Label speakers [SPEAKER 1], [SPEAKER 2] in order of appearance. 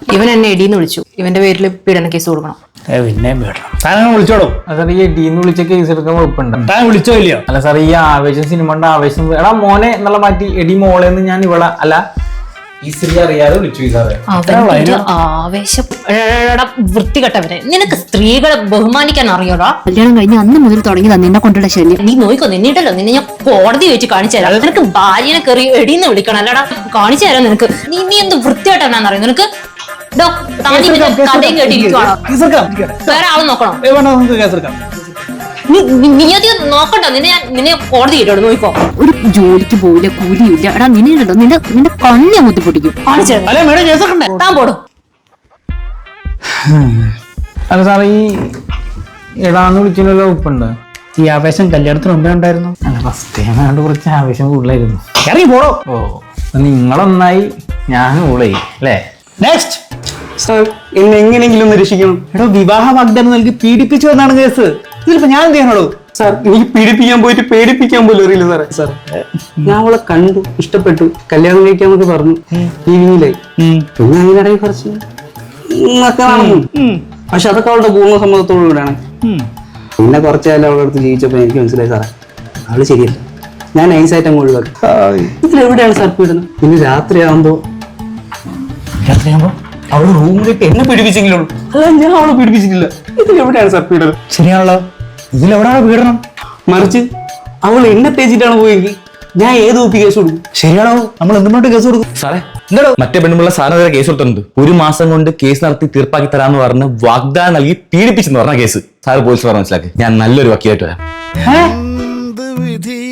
[SPEAKER 1] ഇവൻ എന്നെ എടീന്ന് വിളിച്ചു. ഇവന്റെ പേരിൽ പീഡന കേസ് കൊടുക്കണം.
[SPEAKER 2] പിന്നെ താനങ്ങനെ വിളിച്ചോളൂ.
[SPEAKER 3] സാർ ഈ എടീന്ന് വിളിച്ച കേസ് എടുക്കാൻ വകുപ്പുണ്ട്.
[SPEAKER 2] താൻ വിളിച്ചോ ഇല്ലയോ?
[SPEAKER 3] അല്ല സാർ, ഈ ആവേശം സിനിമയുടെ ആവേശം എടാ മോനെ എന്നുള്ള മാറ്റി എടി മോളെന്ന് ഞാൻ ഇവിടെ അല്ല ഈ സ്ത്രീ അറിയാതെ വിളിച്ചു സാറേ.
[SPEAKER 1] ആവേശം വൃത്തികെട്ടവരെ. നിനക്ക് സ്ത്രീകളെ ബഹുമാനിക്കാൻ അറിയോടാ?
[SPEAKER 4] കല്യാണം കഴിഞ്ഞ് അന്ന് മുതൽ തുടങ്ങിയതാ നിന്നെ കൊണ്ടുള്ള ശല്യം.
[SPEAKER 1] നീ നോയിക്കോ, നിന്നിട്ടല്ലോ നിന്നെ ഞാൻ കോടതി വെച്ച് കാണിച്ചു തരാം. നിനക്ക് ഭാര്യനെ കയറി എടീന്ന് വിളിക്കണം അല്ലടാ, കാണിച്ചു തരാം നിനക്ക്. നീ എന്ത് വൃത്തികെട്ടവനാന്നറിയോ നിനക്ക്? കഥയും കേട്ടിരിക്കുവാണോ? വേറെ ആള് നോക്കണോ? നീ അധികം നോക്കണ്ട. നിന്നെ കോടതി കേട്ടോ, നോക്കോ.
[SPEAKER 4] ഒരു ജോലിക്ക് പോയില്ല, കൂലിയില്ല. എടാ നിന്നെ നിന്റെ കണ്ണി അങ്ങോട്ട് പൊട്ടിക്കും.
[SPEAKER 1] താൻ പോടും.
[SPEAKER 3] അല്ല സാർ, ഈ എടാന്ന് വിളിച്ചതിനുള്ള വകുപ്പുണ്ട്.
[SPEAKER 2] ഈ ആവേശം കല്യാണത്തിന് മുമ്പേ ഉണ്ടായിരുന്നു.
[SPEAKER 3] അല്ല ഫസ്റ്റ് ടൈം കുറച്ച് ആവേശം കൂടുതലായിരുന്നു.
[SPEAKER 2] ഇറങ്ങി പോടോ.
[SPEAKER 3] ഓ നിങ്ങളൊന്നായി ഞാൻ കൂടായി അല്ലേ?
[SPEAKER 2] നെക്സ്റ്റ്
[SPEAKER 5] സാർ എന്നെ എങ്ങനെയെങ്കിലും ഒന്ന് രക്ഷിക്കണം.
[SPEAKER 2] എടോ, വിവാഹ വാഗ്ദാനം നൽകി പീഡിപ്പിച്ചു എന്നാണ് കേസ്. ഇതിലിപ്പോ ഞാൻ എന്ത് ചെയ്യാനോളൂ?
[SPEAKER 5] സാർ എനിക്ക് പീഡിപ്പിക്കാൻ പോയിട്ട് പേടിപ്പിക്കാൻ പോലും അറിയില്ല സാറേ. സാർ ഞാൻ അവളെ കണ്ടു, ഇഷ്ടപ്പെട്ടു, കല്യാണം കഴിക്കാന്നൊക്കെ പറഞ്ഞു ടിവിയിലായി. പിന്നെ അങ്ങനെ ഇടയിൽ കുറച്ച് ഒക്കെ നടന്നു. പക്ഷെ അതൊക്കെ അവളുടെ പൂർണ്ണ സമ്മതത്തോടു കൂടെയാണ്. പിന്നെ കുറച്ചു കാലം അവളുടെ അടുത്ത് ജീവിച്ചപ്പോ എനിക്ക് മനസ്സിലായി സാറേ അവള് ശരിയല്ല. ഞാൻ നൈസായിട്ട് അങ്ങ് ഒഴിവാക്കി. ഇതിലെവിടെയാണ് സാർ പീഡനം? പിന്നെ രാത്രിയാകുമ്പോ അവള് റൂമിലേക്ക് എന്നെ പീഡിപ്പിച്ചെങ്കിലും അല്ല, ഞാൻ അവളെ പീഡിപ്പിച്ചിട്ടില്ല. ഇതിലെവിടെയാണ് സാർ പീഡനം?
[SPEAKER 2] ശരിയാണല്ലോ, ഇതിലെവിടാണ് പീഡനം?
[SPEAKER 5] മറിച്ച് അവൾ എന്നെ തേച്ചിട്ടാണ് പോയെങ്കിൽ ഞാൻ ഏത് ഒപ്പി കേസ് കൊടുക്കും?
[SPEAKER 2] ശരിയാണോ, നമ്മൾ എന്തുകൊണ്ട് കേസ് കൊടുക്കും?
[SPEAKER 6] സാറേ എന്താണോ മറ്റേ പെണ്ണുമുള്ള സാറിനെതിരെ കേസ് കൊടുത്തിട്ടുണ്ട്. 1 മാസം കൊണ്ട് കേസ് നടത്തി തീർപ്പാക്കി തരാന്ന് പറഞ്ഞ് വാഗ്ദാനം നൽകി പീഡിപ്പിച്ചെന്ന് പറഞ്ഞ കേസ്. സാറ് പോലീസ് പറഞ്ഞ മനസ്സിലാക്കി. ഞാൻ നല്ലൊരു വക്കീലായിട്ട് വരാം.